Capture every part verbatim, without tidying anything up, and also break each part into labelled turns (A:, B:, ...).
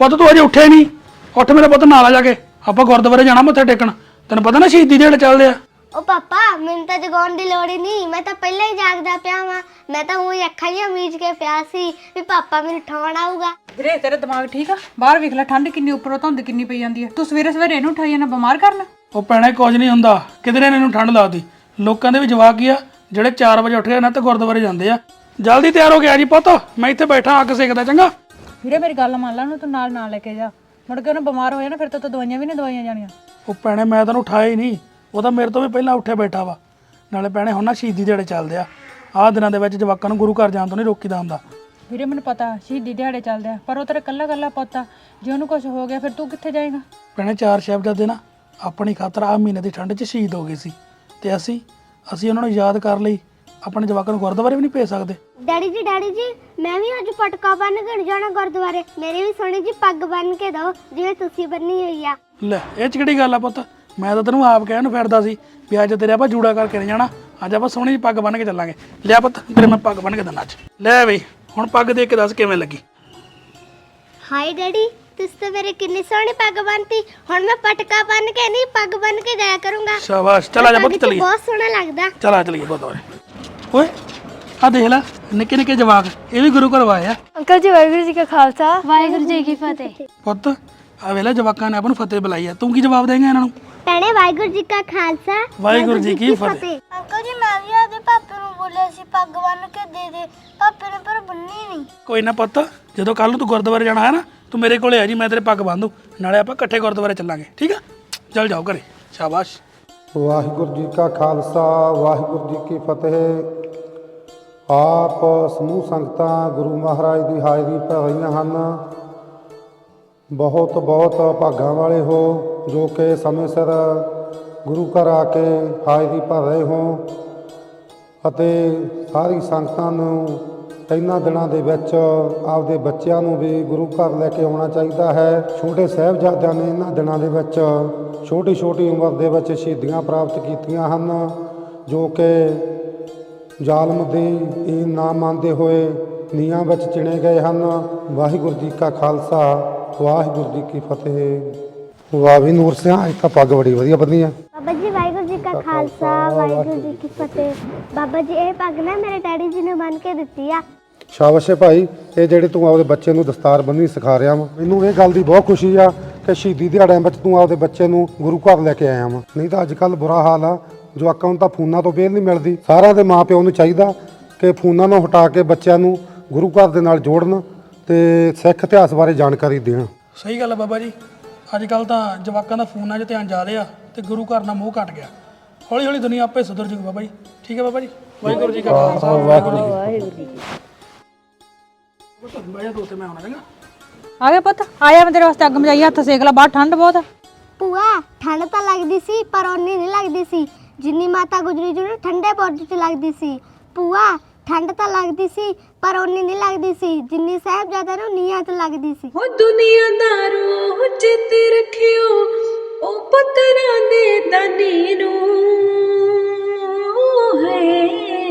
A: ਪੁੱਤ ਤੂੰ ਅਜੇ ਉੱਠਿਆ ਨਹੀਂ। ਉੱਠ ਮੇਰੇ ਪੁੱਤ ਨਾਲ ਆ ਜਾ ਕੇ, ਆਪਾਂ ਗੁਰਦੁਆਰੇ ਜਾਣਾ ਮੱਥਾ ਟੇਕਣ। ਤੈਨੂੰ ਪਤਾ ਨਾ ਸ਼ਹੀਦੀ ਦਿਹਾੜੇ ਚੱਲਦੇ ਆ।
B: ओ पापा मैंने तो जगाउण दी लोड़ ही नहीं, मैं तो पहले ही जागदा पिया वां। मैं तो ऊं अखां ही मीच के पिया सी भी पापा मैनूं उठाउण आऊगा।
C: ਵੀਰੇ ਤੇਰਾ ਦਿਮਾਗ ਠੀਕ ਆ? ਬਾਹਰ ਵੇਖ ਲੈ ਠੰਡ ਕਿੰਨੀ, ਉੱਪਰੋਂ ਧੁੰਦ ਕਿੰਨੀ ਪਈ ਜਾਂਦੀ ਹੈ। ਤੂੰ ਸਵੇਰੇ ਸਵੇਰੇ ਇਹਨੂੰ ਉਠਾਈ ਜਾਣਾ, ਬਿਮਾਰ ਕਰਨਾ।
A: ਉਹ ਭੈਣੇ ਕੁਝ ਨਹੀਂ ਹੁੰਦਾ, ਕਿਧਰੇ ਇਹਨੂੰ ਠੰਡ ਲੱਗਦੀ। ਲੋਕਾਂ ਦੇ ਵੀ ਜਵਾਕ ਹੀ ਆ ਜਿਹੜੇ ਚਾਰ ਵਜੇ ਉੱਠ ਕੇ ਨਾ ਤੇ ਗੁਰਦੁਆਰੇ ਜਾਂਦੇ ਆ। ਜਲਦੀ ਤਿਆਰ ਹੋ ਗਿਆ ਜੀ ਪੁੱਤ, ਮੈਂ ਇੱਥੇ ਬੈਠਾ ਅੱਗ ਸੇਕਦਾ। ਚੰਗਾ
C: ਵੀਰੇ ਮੇਰੀ ਗੱਲ ਮੰਨ ਲੈ, ਉਹਨੂੰ ਤੂੰ ਨਾਲ ਨਾਲ ਲੈ ਕੇ ਜਾ। ਮੁੜ ਕੇ ਉਹਨੂੰ ਬਿਮਾਰ ਹੋ ਜਾਣਾ, ਫਿਰ ਤਾਂ ਦਵਾਈਆਂ ਵੀ ਨਹੀਂ ਦਵਾਈਆਂ ਜਾਣੀਆਂ।
A: ਉਹ ਭੈਣੇ ਮੈਂ ਤੈਨੂੰ ਉਠਾਇਆ ਹੀ ਨਹੀਂ, ਉਹ ਤਾਂ ਮੇਰੇ ਤੋਂ ਵੀ ਪਹਿਲਾਂ ਉੱਠਿਆ ਬੈਠਾ ਵਾ। ਨਾਲੇ ਭੈਣੇ ਹੁਣ ਨਾ ਸ਼ਹੀਦੀ ਦਿਹਾੜੇ ਚੱਲਦੇ ਆ। ਆਹ ਦਿਨਾਂ ਦੇ ਵਿੱਚ ਜਵਾਕਾਂ ਨੂੰ ਗੁਰੂ ਘਰ ਜਾਣ ਤੋਂ ਨਹੀਂ ਰੋਕੀਦਾ ਹੁੰਦਾ।
C: ਵੀਰੇ ਮੈਨੂੰ ਪਤਾ ਸ਼ਹੀਦੀ ਦਿਹਾੜੇ ਚੱਲਦੇ ਆ, ਪਰ ਉਹ ਤੇਰਾ ਕੱਲਾ ਕੱਲਾ ਪੁੱਤ ਆ। ਜੇ ਉਹਨੂੰ ਕੁਝ ਹੋ ਗਿਆ ਫਿਰ ਤੂੰ ਕਿੱਥੇ ਜਾਏਗਾ?
A: ਭੈਣੇ ਚਾਰ ਸਾਹਿਬਜ਼ਾਦੇ ਨਾ ਆਪਣੀ ਖਾਤਰ ਆਹ ਮਹੀਨੇ ਦੀ ਠੰਡ 'ਚ ਸ਼ਹੀਦ ਹੋ ਗਏ ਸੀ, ਤੇ ਅਸੀਂ ਅਸੀਂ ਉਹਨਾਂ ਨੂੰ ਯਾਦ ਕਰ ਲਈ ਆਪਣੇ ਜਵਾਕਾਂ ਨੂੰ ਗੁਰਦੁਆਰੇ ਵੀ ਨਹੀਂ ਭੇਜ ਸਕਦੇ।
B: डैडी जी डैडी जी मैं भी अज पटका बन के जाना गुरुद्वारे, मेरी भी सोनी जी पग बन के दो जिवें तुसीं बन्नी हुई आ।
A: ਲੈ ਇਹ 'ਚ ਕਿਹੜੀ ਗੱਲ ਆ ਪੁੱਤ, ਮੈਂ ਤਾਂ ਤੈਨੂੰ ਆਪ ਕਹਿਣ ਨੂੰ ਫਿਰਦਾ ਸੀ ਵੀ ਅੱਜ ਤੇਰੇ ਆਪਾਂ ਜੂੜਾ ਕਰਕੇ ਨਹੀਂ ਜਾਣਾ, ਅੱਜ ਆਪਾਂ ਸੋਹਣੀ ਜਿਹੀ ਪੱਗ ਬੰਨ੍ਹ ਕੇ ਚੱਲਾਂਗੇ। ਲਿਆ ਪੁੱਤ ਤੇਰੇ ਮੈਂ ਪੱਗ ਬੰਨ੍ਹ ਕੇ ਦਿੰਦਾ ਅੱਜ। ਲੈ ਬਈ ਹੁਣ ਪੱਗ ਦੇਖ ਕੇ ਦੱਸ ਕਿਵੇਂ ਲੱਗੀ।
B: हाय डैडी तुस तो मेरे कितनी सोहनी पग बनती, हुण मैं पटका बन के नहीं पग बन के जाया करूंगा।
A: ਸ਼ਾਬਾਸ਼ ਚੱਲ ਆ ਜਾ ਪੁੱਤ ਚੱਲੀਏ।
B: बहुत सोहना लगदा।
A: चल आ चलिए गुरुद्वारे। ओए आ देख ला निक्के निक्के जवाक ये भी गुरु घर आए आ।
B: अंकल जी वाहिगुरू जी का खालसा वाहिगुरू जी की फतेह।
A: पुत आ वेला जवाकां ने अपन फतेह बुलाई है, तू की जवाब देंगे इन्हां नूं?
B: ਭੈਣੇ ਵਾਹਿਗੁਰੂ ਜੀ ਕਾ ਖਾਲਸਾ
A: ਵਾਹਿਗੁਰੂ ਜੀ ਕੀ ਫਤਿਹ।
B: ਅੰਕਲ ਜੀ ਮੈਂ ਵੀ ਆਦੇ ਪਾਪੇ ਨੂੰ ਬੋਲਿਆ ਸੀ ਪੱਗ ਬੰਨ ਕੇ ਦੇ ਦੇ, ਪਾਪੇ ਨੇ ਪਰ ਬੰਨੀ ਨਹੀਂ।
A: ਕੋਈ ਨਾ ਪੁੱਤ ਜਦੋਂ ਕੱਲ ਨੂੰ ਤੂੰ ਗੁਰਦੁਆਰੇ ਜਾਣਾ ਹੈ ਨਾ ਤੂੰ ਮੇਰੇ ਕੋਲੇ ਆ ਜੀ, ਮੈਂ ਤੇਰੇ ਪੱਗ ਬੰਨ ਦੂੰ, ਨਾਲੇ ਆਪਾਂ ਇਕੱਠੇ ਗੁਰਦੁਆਰੇ ਚੱਲਾਂਗੇ। ਠੀਕ ਆ ਚੱਲ ਜਾਓ ਘਰੇ। ਸ਼ਾਬਾਸ਼।
D: ਵਾਹਿਗੁਰੂ ਜੀ ਕਾ ਖਾਲਸਾ ਵਾਹਿਗੁਰੂ ਜੀ ਕੀ ਫਤਿਹ। ਆਪ ਸਮੂਹ ਸੰਗਤਾਂ ਗੁਰੂ ਮਹਾਰਾਜ ਦੀ ਹਾਜ਼ਰੀ ਭਰ ਰਹੀਆਂ ਹਨ। ਬਹੁਤ ਬਹੁਤ ਭਾਗਾਂ ਵਾਲੇ ਹੋ ਜੋ ਕਿ ਸਮੇਂ ਸਿਰ ਗੁਰੂ ਘਰ ਆ ਕੇ ਹਾਜ਼ਰੀ ਭਰ ਰਹੇ ਹੋ, ਅਤੇ ਸਾਰੀ ਸੰਗਤਾਂ ਨੂੰ ਇਹਨਾਂ ਦਿਨਾਂ ਦੇ ਵਿੱਚ ਆਪਦੇ ਬੱਚਿਆਂ ਨੂੰ ਵੀ ਗੁਰੂ ਘਰ ਲੈ ਕੇ ਆਉਣਾ ਚਾਹੀਦਾ ਹੈ। ਛੋਟੇ ਸਾਹਿਬਜ਼ਾਦਿਆਂ ਨੇ ਇਹਨਾਂ ਦਿਨਾਂ ਦੇ ਵਿੱਚ ਛੋਟੀ ਛੋਟੀ ਉਮਰ ਦੇ ਵਿੱਚ ਸ਼ਹੀਦੀਆਂ ਪ੍ਰਾਪਤ ਕੀਤੀਆਂ ਹਨ, ਜੋ ਕਿ ਜ਼ਾਲਮ ਦੀ ਇਹ ਨਾ ਮੰਨਦੇ ਹੋਏ ਨੀਹਾਂ ਵਿੱਚ ਚਿਣੇ ਗਏ ਹਨ। ਵਾਹਿਗੁਰੂ ਜੀ ਕਾ ਖਾਲਸਾ ਵਾਹਿਗੁਰੂ ਜੀ ਕੀ ਫਤਿਹ। ਵਾਹ ਵੀ ਨੂਰ ਸਿਆ ਇੱਕ ਤਾਂ ਪੱਗ ਬੜੀ ਵਧੀਆ ਬੰਨੀ ਆ।
B: ਬਾਬਾ ਜੀ ਵਾਹਿਗੁਰੂ ਜੀ ਕਾ ਖਾਲਸਾ ਵਾਹਿਗੁਰੂ ਜੀ ਕੀ ਫਤਿਹ। ਬਾਬਾ ਜੀ ਇਹ ਪੱਗ ਨਾ ਮੇਰੇ ਡੈਡੀ ਜੀ ਨੇ ਬੰਨ ਕੇ ਦਿੱਤੀ ਆ।
D: ਸ਼ਾਬਾਸ਼ ਏ ਭਾਈ, ਇਹ ਜਿਹੜੇ ਤੂੰ ਆਪਦੇ ਬੱਚੇ ਨੂੰ ਦਸਤਾਰ ਬੰਨ੍ਹਣੀ ਸਿਖਾ ਰਿਹਾ ਵਾ, ਮੈਨੂੰ ਇਹ ਗੱਲ ਦੀ ਬਹੁਤ ਖੁਸ਼ੀ ਆ ਕਿ ਸ਼ਹੀਦੀ ਦਿਹਾੜਿਆਂ ਵਿੱਚ ਤੂੰ ਆਪਦੇ ਬੱਚੇ ਨੂੰ ਗੁਰੂ ਘਰ ਲੈ ਕੇ ਆਇਆ ਵਾ। ਨਹੀਂ ਤਾਂ ਅੱਜ ਕੱਲ੍ਹ ਬੁਰਾ ਹਾਲ ਆ, ਜਵਾਕਾਂ ਨੂੰ ਤਾਂ ਫੋਨਾਂ ਤੋਂ ਵੇਲ ਨਹੀਂ ਮਿਲਦੀ। ਸਾਰਿਆਂ ਦੇ ਮਾਂ ਪਿਓ ਨੂੰ ਚਾਹੀਦਾ ਕਿ ਫੋਨਾਂ ਨੂੰ ਹਟਾ ਕੇ ਬੱਚਿਆਂ ਨੂੰ ਗੁਰੂ ਘਰ ਦੇ ਨਾਲ ਜੋੜਨ ਤੇ ਸਿੱਖ ਇਤਿਹਾਸ ਬਾਰੇ ਜਾਣਕਾਰੀ ਦੇਣ।
A: ਸਹੀ ਗੱਲ ਆ ਬਾਬਾ ਜੀ, ਅੱਜ ਕੱਲ ਤਾਂ ਜਵਾਕਾਂ ਦਾ ਫੋਨਾਂ 'ਚ ਧਿਆਨ ਜ਼ਿਆਦਾ ਆ ਤੇ ਗੁਰੂ ਘਰ ਨਾਲ ਮੋਹ ਘਟ ਗਿਆ। ਹੌਲੀ ਹੌਲੀ ਦੁਨੀਆ ਆਪੇ ਸੁਧਰ ਜੂਗੀ ਬਾਬਾ ਜੀ। ਠੀਕ ਹੈ ਬਾਬਾ ਜੀ। ਵਾਹਿਗੁਰੂ ਜੀ ਕਾ ਖਾਲਸਾ ਵਾਹਿਗੁਰੂ ਜੀ ਕੀ ਫਤਿਹ। ਬਾਇਆ ਦੋਸਤ ਮੈਂ ਆਉਣਾ ਚੰਗਾ।
C: ਆ ਗਿਆ ਪੁੱਤ, ਆਇਆ ਮੈਂ ਤੇਰੇ ਵਾਸਤੇ ਅੱਗ ਮਜਾਈ, ਹੱਥ ਸੇਕ ਲੈ, ਬਾਹਰ ਠੰਡ ਬਹੁਤ ਆ।
B: ਭੂਆ ਠੰਡ ਤਾਂ ਲੱਗਦੀ ਸੀ ਪਰ ਓਨੀ ਨਹੀਂ ਲੱਗਦੀ ਸੀ ਜਿੰਨੀ ਮਾਤਾ ਗੁਜਰੀ ਜੀ ਨੂੰ ਠੰਡੇ ਬੁਰਜ 'ਚ ਲੱਗਦੀ ਸੀ। ਭੂਆ ਠੰਡ ਤਾਂ ਲੱਗਦੀ ਸੀ ਪਰ ਓਨੀ ਨਹੀਂ ਲੱਗਦੀ ਸੀ ਜਿੰਨੀ ਸਾਹਿਬਜ਼ਾਦਿਆਂ ਨੂੰ ਨੀਹਾਂ 'ਚ ਲੱਗਦੀ ਸੀ।
E: ਹੋ ਦੁਨੀਆਦਾਰੋ ਚੇਤੇ ਰੱਖਿਓ ਉਹ ਪੁੱਤਰਾਂ ਦੇ ਦਾਨੀ ਨੂੰ ਹੈ,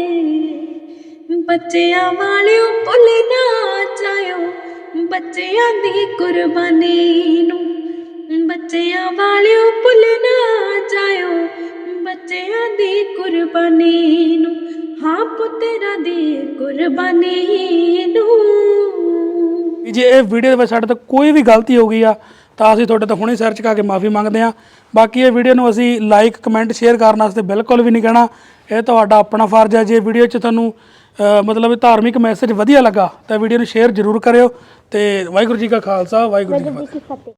E: ਬੱਚਿਆਂ ਵਾਲਿਓ ਭੁੱਲ ਨਾ ਜਾਇਓ ਬੱਚਿਆਂ ਦੀ ਕੁਰਬਾਨੀ ਨੂੰ, ਬੱਚਿਆਂ ਵਾਲਿਓ ਭੁੱਲ ਨਾ ਜਾਇਓ ਬੱਚਿਆਂ ਦੀ ਕੁਰਬਾਨੀ ਨੂੰ, ਹਾਂ ਪੁੱਤਰਾਂ ਦੀ ਕੁਰਬਾਨੀ ਨੂੰ।
A: ਜੇ ਇਹ ਵੀਡੀਓ ਦੇ ਵਿੱਚ ਸਾਡੇ ਤੋਂ ਕੋਈ ਵੀ ਗਲਤੀ ਹੋ ਗਈ ਆ ਤਾਂ ਅਸੀਂ ਤੁਹਾਡੇ ਤੋਂ ਹੁਣੇ ਸਰਚ ਕਰਕੇ ਮਾਫੀ ਮੰਗਦੇ ਹਾਂ। ਬਾਕੀ ਇਹ ਵੀਡੀਓ ਨੂੰ ਅਸੀਂ ਲਾਈਕ ਕਮੈਂਟ ਸ਼ੇਅਰ ਕਰਨ ਵਾਸਤੇ ਬਿਲਕੁਲ ਵੀ ਨਹੀਂ ਕਹਿਣਾ, ਇਹ ਤੁਹਾਡਾ ਆਪਣਾ ਫਰਜ਼ ਹੈ। ਜੇ ਵੀਡੀਓ 'ਚ ਤੁਹਾਨੂੰ ਮਤਲਬ ਧਾਰਮਿਕ ਮੈਸੇਜ ਵਧੀਆ ਲੱਗਾ ਤਾਂ ਵੀਡੀਓ ਨੂੰ ਸ਼ੇਅਰ ਜ਼ਰੂਰ ਕਰਿਓ। ਤੇ ਵਾਹਿਗੁਰੂ ਜੀ ਕਾ ਖਾਲਸਾ ਵਾਹਿਗੁਰੂ ਜੀ ਕੀ ਫਤਿਹ।